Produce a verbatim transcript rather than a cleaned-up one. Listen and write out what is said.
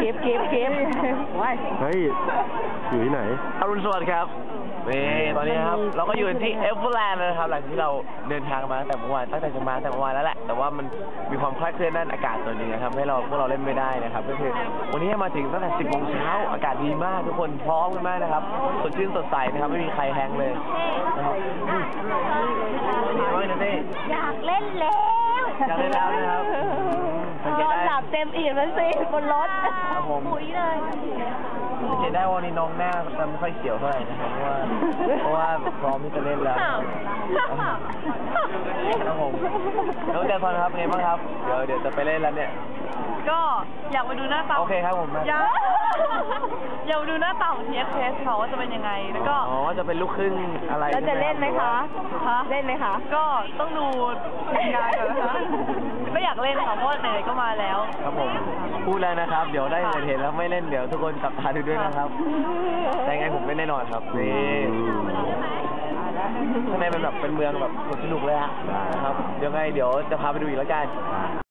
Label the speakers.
Speaker 1: ก็บเก็บเก็บว้าย
Speaker 2: เฮ้ยอยู่ที่ไหน
Speaker 3: อรุณสวัสดิ์ครับนี่ตอนนี้ครับเราก็อยู่ที่เอเวอร์แลนด์นะครับหลังที่เราเดินทางมาตั้งแต่เมื่อวานตั้งแต่จะมาตั้งแต่เมื่อวานแล้วแหละแต่ว่ามันมีความคลาดเคลื่อนด้านอากาศตัวนี้นะครับให้เราพวกเราเล่นไม่ได้นะครับก็คือวันนี้มาถึงตั้งแต่สิบโมงเช้าอากาศดีมากทุกคนพร้อมกันมากนะครับสดชื่นสดใสนะครับไม่มีใครแห้งเลยนะครับนี่ว่านะเต้
Speaker 1: อยากเล่นแล้ว
Speaker 3: อยากเล่นแล้วนะครับ
Speaker 1: นอนหลับเต็มอิ่มแล้วสิบนรถปุ๋ยเลย
Speaker 3: สังเกตได้ว่านี่น้องหน้าจะไม่ค่อยเขียวเท่าไหร่นะครับเพราะว่าเพราะว่าพร้อมที่จะเล่นแล้วครับผมน้องแจนพรครับไงบ้างครับเดี๋ยวเดี๋ยวจะไปเล่นแล้วเนี่ย
Speaker 4: ก็อยากไปดูหน้าตา
Speaker 3: โอเคครับผม
Speaker 4: อยากอยากไปดูหน้าตาของ ที เอส เอส เขาว่าจะเป็นยังไงแล้วก็
Speaker 3: อ๋อจะเป็นลูกครึ่งอะไร
Speaker 1: แล้วจะเล่นไหมคะ
Speaker 4: คะ
Speaker 1: เล่นไหมคะ
Speaker 4: ก็ต้องดูงานก่อนนะคะก็อยากเล่นค่ะเพราะไหนๆก็มาแล้ว
Speaker 3: ครับผมพูดแล้วนะครับเดี๋ยวได้เห็นแล้วไม่เล่นเดี๋ยวทุกคนจับตาดูด้วยนะครับแต่ไงผมเล่นแน่นอนครับนี่ข้างในมันแบบเป็นเมืองแบบสนุกเลยฮะนะครับเดี๋ยวไงเดี๋ยวจะพาไปดูอีกแล้วกัน